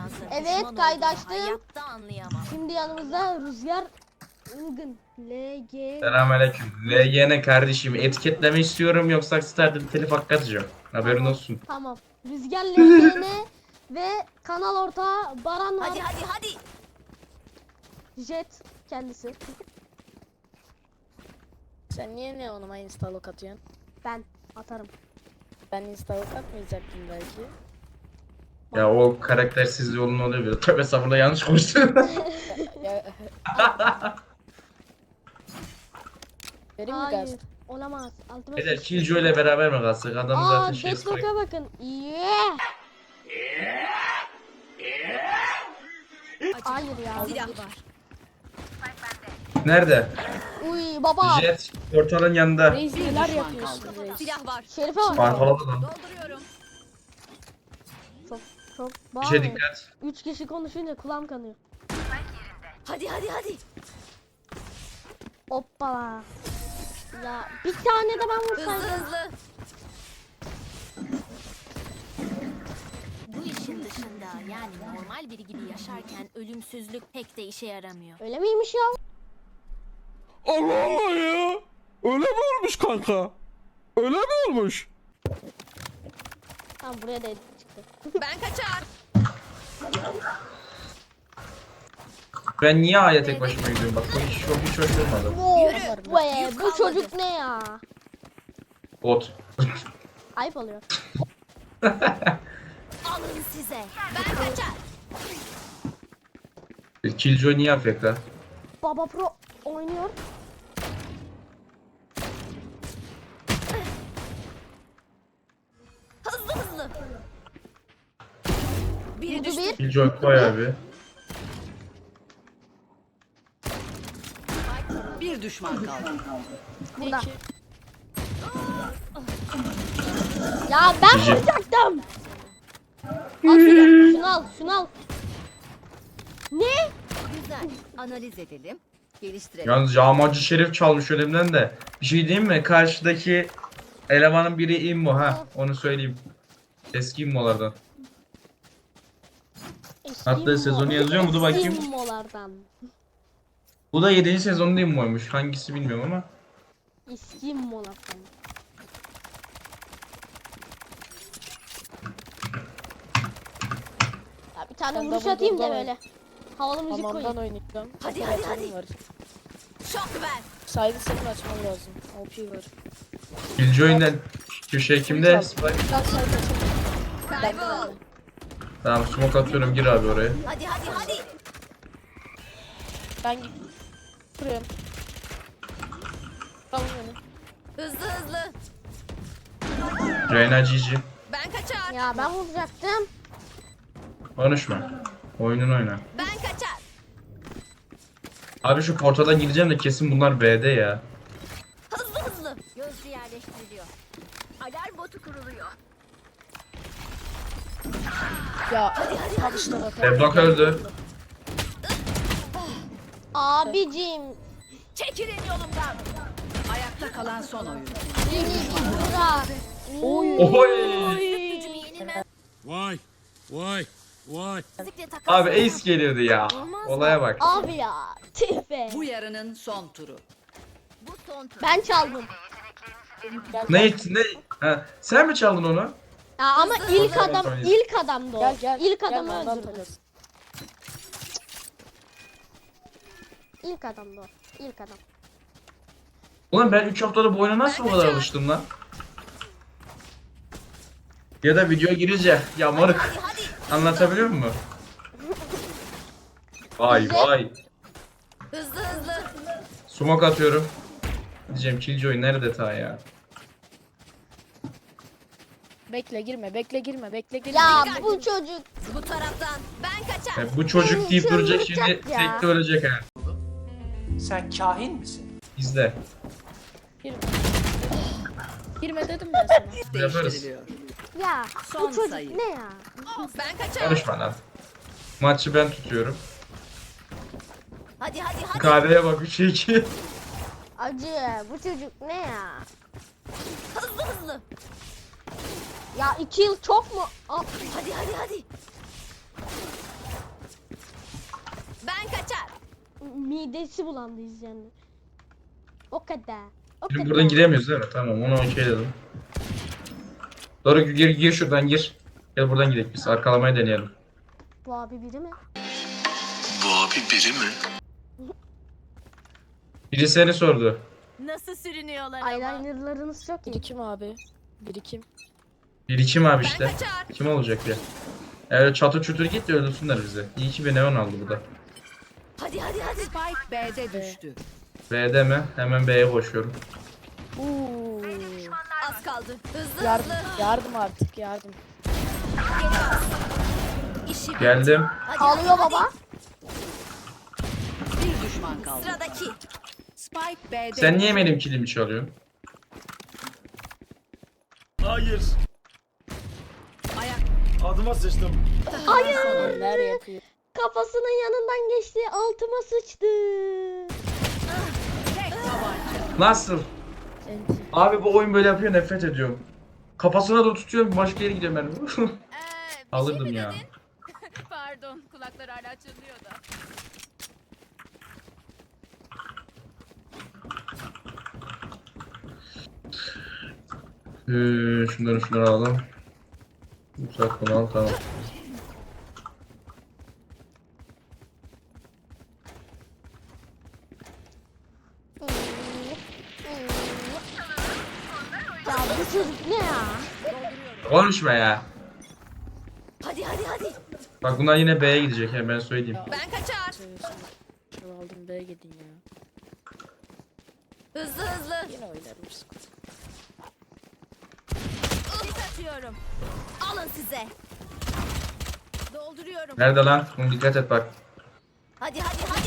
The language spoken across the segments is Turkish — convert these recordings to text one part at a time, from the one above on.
şansın. Evet, Düşman kaydaştım. olduğunu hayatta anlayamam. Şimdi yanımızda Rüzgar Ilgın. LG. Selamünaleyküm. LGN kardeşim etiketleme istiyorum yoksa Star'da telif hakkı atacağım. Haberin Tamam, olsun. Tamam. Rüzgar LGN ve kanal ortağı Baran var. Hadi. Jet kendisi. Sen niye ne onuma instalok atıyorsun? Ben atarım. Ben instalok atmayacaktım belki. Ya o karaktersiz yolun oluyor bir. Tövbe sabırla yanlış konuştum. Ya, vereyim mi Hayır. gaz? Olamaz. Altıma Beyler sıçtım. Killjoy ile beraber mi kalsak? Adam zaten şey Deathlock'a bakın. Yeah. Hayır ya. Silah var. Nerede? Uy baba. Jet portalın yanında. Reis neler yapıyorsun Reis? Silah var. Şerife bak. Pantolonda lan. Dolduruyorum. Çok Bir şey bağlı. dikkat. 3 kişi konuşunca kulağım kanıyor. Hadi. Hoppala. Ya bir tane de ben Hızlı vursaydım. hızlı. Bu işin dışında yani normal biri gibi yaşarken ölümsüzlük pek de işe yaramıyor. Öyle miymiş ya? Allah Allah ya. Öyle mi olmuş kanka? Öyle mi olmuş? Tamam buraya da edit çıktı. Ben kaçar. Ben niye A'ya tek başıma gidiyorum? Bak bu hiç hoş olmadı. Be, bu çocuk ne ya? Bot. Ayıp oluyor. Alın size. Ben kaçar. Killjoy niye afekta? Baba Pro oynuyor. Hızlı. Biri Vurdu düştü. bir. Killjoy koy abi. Bir düşman kaldı. Burada. Ya ben Cici. vuracaktım. Al şunu al. Ne? Güzel. Analiz edelim. Geliştirelim. Yalnız yağmacı Şerif çalmış önümden de. Bir şey diyeyim mi? Karşıdaki elemanın biri immo ha. Onu söyleyeyim. Eski immolardan. Hatta sezonu yazıyor mu? Dur bakayım. İskimolardan. Bu da 7. sezonda immoymuş. Hangisi bilmiyorum ama. İskimolardan. Ya bir tane Ben vuruş double atayım da double böyle. Havalı müzik Hamamdan koyayım. oynayacağım. Hadi. Operatörüm var. Şok ver. Saydı senin açman lazım. OP var. Killjoy'un köşe kimde? Spike. Gel saydı açalım. Kaybol. Tamam smoke atıyorum gir abi oraya. Hadi. Ben kuruyorum. Tamam beni. Hızlı. Reyna GG. Ben kaçar. Ya ben vuracaktım. Konuşma. Oyunun oyna. Ben kaçar. Abi şu portaldan gireceğim de kesin bunlar B'de ya. Hızlı. Gözcü yerleştiriliyor. Alarm botu kuruluyor. Ya al işte bak. Devlok öldü. Abicim. Çekilin yolumdan. Ayakta kalan son oyuncu. Beni bir bırak. Oy. Gücümü yenilmez. Vay. Müzikle takas. Abi ace geliyordu ya. Olmaz mı? Olaya bak. Abi ya. Tüh be. Bu yarının son turu. Bu son tur. Ben çaldım. Ne? Ha, sen mi çaldın onu? Ya ama ilk adam Tamam. ilk adamdı o. Gel. İlk Gel, adamı ondan öldürdü. takas. İlk adamdı o. İlk adam. Ulan ben 3 haftada bu oyuna nasıl bu kadar alıştım lan? Ya da video girince ya moruk anlatabiliyor muyum? Vay vay. Hızlı. Smoke atıyorum. Diyeceğim Killjoy nerede ta ya? Bekle girme. Ya bu çocuk Bu taraftan. Ben kaçar. Ya bu çocuk deyip duracak şimdi Çıldıracak ya. tek de ölecek ha. Sen kahin misin? İzle. Girme dedim ben sana. Değiştiriliyor. ya Son bu çocuk sayı. ne ya? Ben kaçar. Konuşma lan. Maçı ben tutuyorum. Hadi. KD'ye bak 3-2. Acı bu çocuk ne ya? Hızlı. Ya 2 yıl çok mu? Aa, Hadi. midesi bulandı izleyenler. O kadar. O Şimdi kadar. buradan giremiyoruz değil mi? Tamam onu okey dedim. Doğru gir şuradan gir. Gel buradan gidelim biz. Arkalamayı deneyelim. Bu abi biri mi? Biri seni sordu. Nasıl sürünüyorlar ama. Eyelinerlarınız çok iyi. Biri kim abi? Biri kim? Biri kim abi Ben işte? kaçar. Kim olacak ya? Evet çatır çutur git de öldürsünler bizi. İyi ki bir neon aldı bu da. Hadi hadi hadi. Spike B'de düştü. B'de mi? Hemen B'ye koşuyorum. Uuu. Az kaldı. Hızlı Yardım, hızlı. yardım artık yardım. İşi Geldim. Hadi, Ağlıyor hadi, baba. Bir düşman kaldı. Sıradaki. Spike B'de Sen niye benim kilimi çalıyorsun? Hayır. Ayak Adıma sıçtım. Neler yapıyor? Kafasının yanından geçti. Altıma sıçtı. tek tabanca. Nasıl? Enti. Abi bu oyun böyle yapıyor nefret ediyorum. Kafasına da tutuyorum başka yere gidiyorum ben. Bir Alırdım şey mi ya. dedin? Pardon kulaklar hala çınlıyor da. Şunları alalım. Uzak bunu al tamam. Ya bu çocuk ne ya? Konuşma ya. Hadi hadi hadi. Bak bunlar yine B'ye gidecek ya ben söyleyeyim. Ben kaçar. Şunu aldım B'ye gidin ya. Hızlı hızlı. Yine oynarız. Sis atıyorum. Alın size. Dolduruyorum. Nerede lan? Bunu dikkat et bak. Hadi hadi hadi.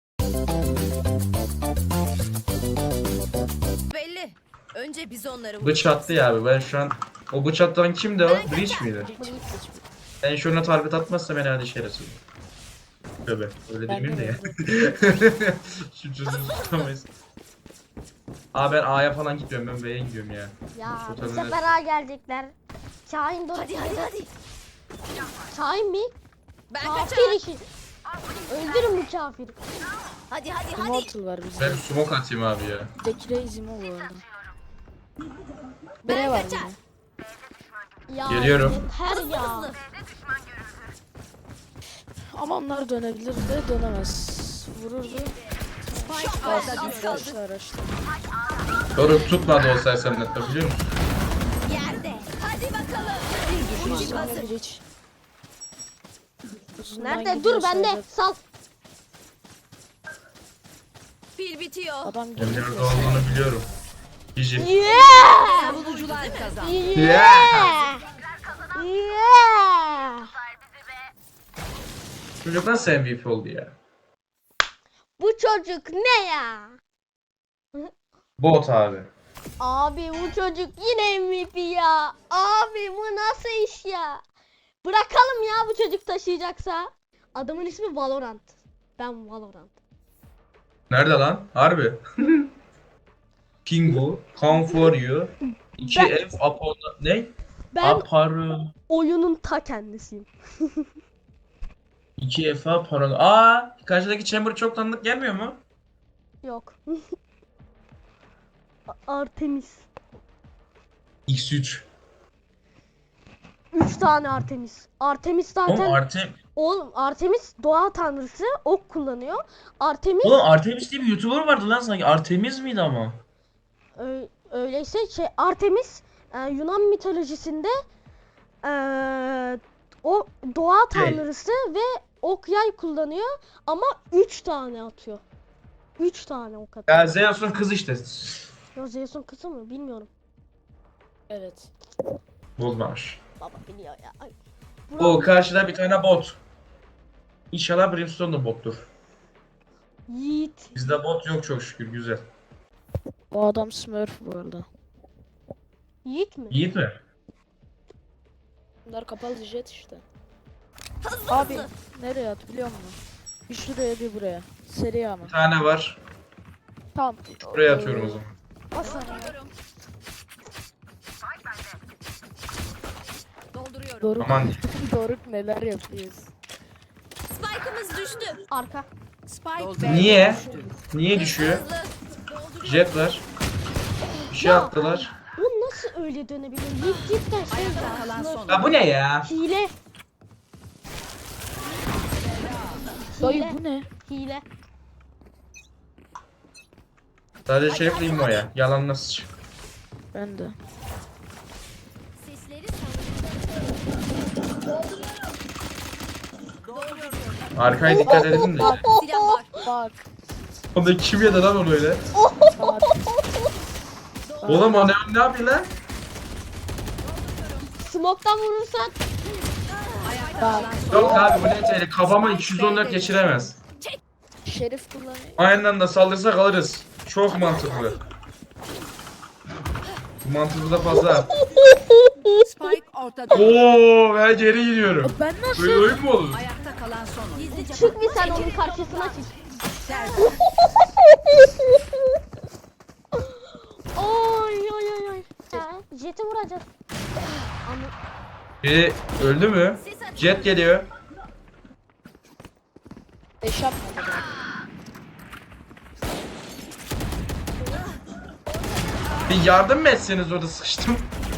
Belli. Önce biz onları vuracağız. Bıçattı ya abi ben şu an. O bıçattan kimdi o? Breach miydi? Ben şuna target atmazsa ben hadi şerefsiz. Tövbe öyle Ben demeyeyim de ya. de Şu çocuğu tutamayız. Abi ben A'ya falan gitmiyorum ben B'ye gidiyorum ya. Ya Şu bu tabii sefer A gelecekler. Şahin doğru. Hadi hadi hadi. Şahin mi? Ben kaçar. Kafir işi. Öldürün bu kafiri. Hadi hadi hadi. Immortal var bizde. Ben bir smoke atayım abi ya. Bizdeki Reis Imo bu arada. B var kaçar. yine. Ya Geliyorum. yeter ya. Hızlı. Ama onlar dönebilir de dönemez. Vururdu. Spike Alsın A'da düştü. düştü araçta. Doğru tutmadı o sersem nette biliyor musun? Yerde. Hadi bakalım. Bir düşman Ultim kaldı. hazır. Bir hiç. Uzundan Nerede? gidiyor Dur bende. sayılır. Sal. Pil bitiyor. Adam Ben geliyor. nerede olduğunu biliyorum. Gigi. Yeah! Savunucular kazandı. Yeah! Yeah! Çocuk nasıl MVP oldu ya? Bu çocuk ne ya? Bot abi. Abi bu çocuk yine MVP ya. Abi bu nasıl iş ya? Bırakalım ya bu çocuk taşıyacaksa. Adamın ismi Valorant. Ben Valorant. Nerede lan? Harbi. Pingu, Come for you. 2F upon ne? Ben Aparı. oyunun ta kendisiyim. 2F upon. Aa, karşıdaki chamber çok tanıdık gelmiyor mu? Yok. Artemis. X3. 3 tane Artemis. Artemis Oğlum zaten oğlum Artemis doğa tanrısı ok kullanıyor. Artemis Artemis diye bir YouTuber vardı lan sanki. Artemis miydi ama? öyleyse Artemis Yunan mitolojisinde o doğa tanrısı ve ok yay kullanıyor ama 3 tane atıyor. 3 tane ok atıyor. Ya Zeus'un kızı işte. Ya Zeus'un kızı mı bilmiyorum. Evet. Bozmamış. Baba biliyor ya. Ay. O karşıda bir tane bot. İnşallah Brimstone da bottur. Yiğit. Bizde bot yok çok şükür güzel. O adam Smurf bu arada. Yiğit mi? Yiğit mi? Bunlar kapalı jet işte. Hızlı Abi hızlı. nereye at biliyor musun? Bir şuraya bir buraya. Seri ama. Bir tane var. Tamam. Buraya atıyorum o zaman. Dolduruyorum. Dolduruyorum. Doruk, Aman. Doruk neler yapıyoruz? Spike'ımız düştü. Arka. Spike Niye? B'de düştü. Niye düşüyor? Jet var. Bir şey Ya. attılar. O nasıl öyle dönebilir? Lig cidden şey Ayakta kalan ya. son. Ya bu ne ya? Hile. Dayı Hile. bu ne? Hile. Sadece Şerif immo ya. Yalan nasıl? Ben de. Sesleri salıyorum. Arkaya dikkat edin de. Silah var. Bak. O da kim yedi lan onu öyle? Bak. Oğlum o ne yapıyor lan? Smoke'tan vurursan Ayakta Bak. kalan son. Yok abi bu ne tehlikeli. Kafama 214 geçiremez. Şerif kullanıyor. Aynı anda saldırsak alırız. Çok mantıklı. Bu mantıklı da fazla. Spike ortada. Oo ben geri gidiyorum. Ben nasıl? Böyle oyun mu olur? Ayakta kalan son. Gizlice çık bir sen onun karşısına çık. Servis. Oy oy oy oy. Ya, Jet'i vuracağız. Ama Biri öldü mü? Jet geliyor. Beş yapmadı. Bir yardım mı etseniz orada sıkıştım.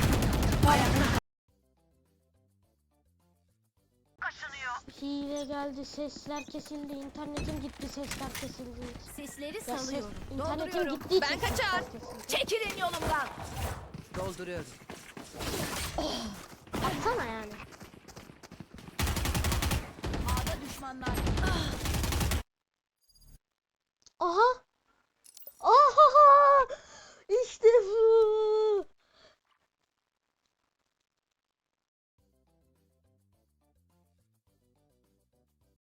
hile geldi, sesler kesildi, internetim gitti, sesler kesildi. sesleri Ya ses, salıyorum. internetim gittiği için Ben kaçar. sesler kesildi. Çekilin yolumdan. Dolduruyorum. Atsana ya.